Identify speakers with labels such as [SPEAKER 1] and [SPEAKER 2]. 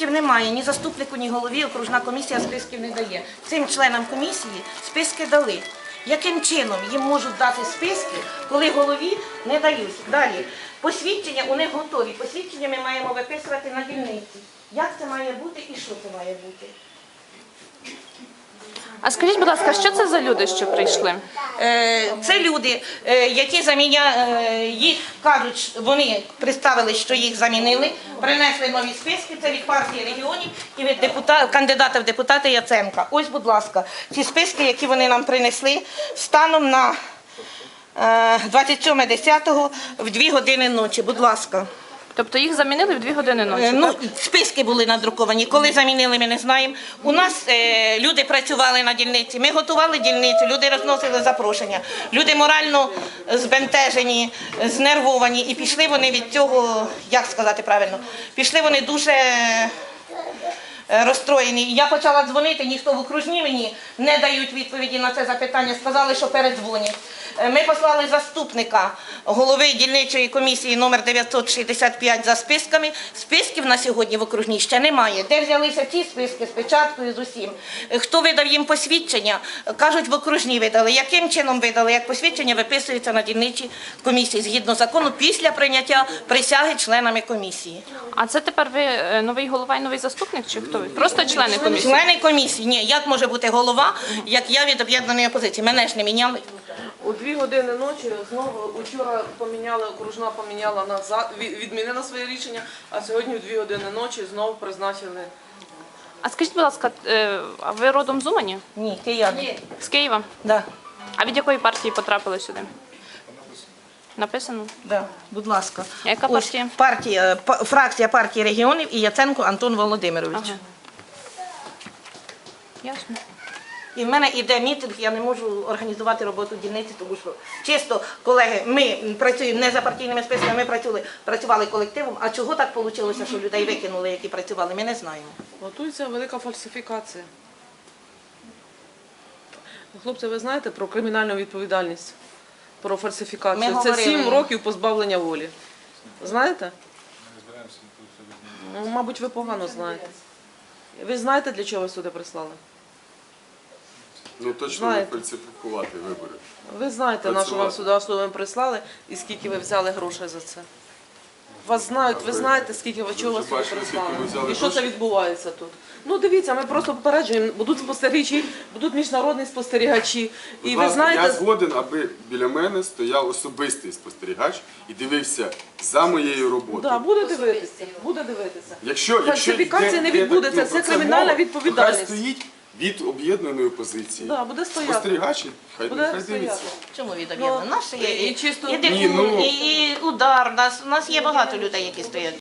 [SPEAKER 1] списків немає, ні заступнику, ні голові, окружна комісія списків не дає. Цим членам комісії списки дали. Яким чином їм можуть дати списки, коли голові не дають? Далі, посвідчення у них готові. Посвідчення ми маємо виписувати на дільниці. Як це має бути і що це має бути?
[SPEAKER 2] А скажіть, будь ласка, що це за люди, що прийшли?
[SPEAKER 1] Це люди, які їх кажуть, вони представили, що їх замінили, принесли нові списки, це від партії регіонів і від кандидата в депутати Яценка. Ось, будь ласка, ці списки, які вони нам принесли, станом на 27.10 в 2 години ночі, будь ласка.
[SPEAKER 2] Тобто їх замінили в 2 години ночі,
[SPEAKER 1] Ну,
[SPEAKER 2] так?
[SPEAKER 1] списки були надруковані. Коли замінили, ми не знаємо. У нас люди працювали на дільниці, ми готували дільницю, люди розносили запрошення. Люди морально збентежені, знервовані. І пішли вони від цього, як сказати правильно, пішли вони дуже розстроєні. Я почала дзвонити, ніхто в окружні мені не дають відповіді на це запитання, сказали, що передзвонять. Ми послали заступника голови дільничої комісії номер 965 за списками. Списків на сьогодні в окружній ще немає. Де взялися ті списки з печаткою, з усім? Хто видав їм посвідчення? Кажуть, в окружній видали. Яким чином видали? Як посвідчення виписується на дільничій комісії згідно закону після прийняття присяги членами комісії.
[SPEAKER 2] А це тепер ви новий голова і новий заступник, чи хто ви? Просто члени комісії?
[SPEAKER 1] Члени комісії. Ні, як може бути голова, як я від об'єднаної опозиції? Мене ж не міняли.
[SPEAKER 3] У 2 години ночі знову учора окружна поміняла назад, відмінила своє рішення, а сьогодні у 2 години ночі знову призначили.
[SPEAKER 2] А скажіть, будь ласка, а ви родом з Умані?
[SPEAKER 1] Ні, кияни.
[SPEAKER 2] З Києва?
[SPEAKER 1] Да.
[SPEAKER 2] А від якої партії потрапили сюди? Написано?
[SPEAKER 1] Да, будь ласка.
[SPEAKER 2] Яка
[SPEAKER 1] Ось
[SPEAKER 2] партія?
[SPEAKER 1] Фракція партії регіонів і Яценко Антон Володимирович.
[SPEAKER 2] Ага. Ясно.
[SPEAKER 1] І в мене іде мітинг, я не можу організувати роботу дільниці, тому що чисто, колеги, ми працюємо не за партійними списками, ми працювали колективом, а чого так вийшло, що людей викинули, які працювали, ми не знаємо.
[SPEAKER 3] Готується велика фальсифікація. Хлопці, ви знаєте про кримінальну відповідальність, про фальсифікацію? Це 7 років позбавлення волі. Знаєте? Ну, мабуть, ви погано знаєте. Ви знаєте, для чого вас сюди прислали?
[SPEAKER 4] Ну точно не фальсифікувати вибори.
[SPEAKER 3] Ви знаєте, на що вам сюди особливо прислали і скільки ви взяли грошей за це. Вас знають, ви знаєте, скільки ви чого вас сюди прислали. І що це відбувається тут. Ну дивіться, ми просто попереджуємо, будуть спостерігачі, будуть міжнародні спостерігачі. І ви знаєте...
[SPEAKER 4] Я згоден, аби біля мене стояв особистий спостерігач і дивився за моєю роботою.
[SPEAKER 3] Так, буде дивитися, буде дивитися.
[SPEAKER 4] Якщо
[SPEAKER 3] фальсифікації не відбудеться, це кримінальна відповідальність.
[SPEAKER 4] Хай стоїть від об'єднаної опозиції.
[SPEAKER 3] Так, буде стояти.
[SPEAKER 4] Спостерігач, хай
[SPEAKER 3] Буде
[SPEAKER 4] дивиться.
[SPEAKER 3] стояти.
[SPEAKER 1] Чому від об'єднання? Наше є
[SPEAKER 3] і чисто-
[SPEAKER 1] і Дикун, і Удар, у нас є багато людей, які стоять.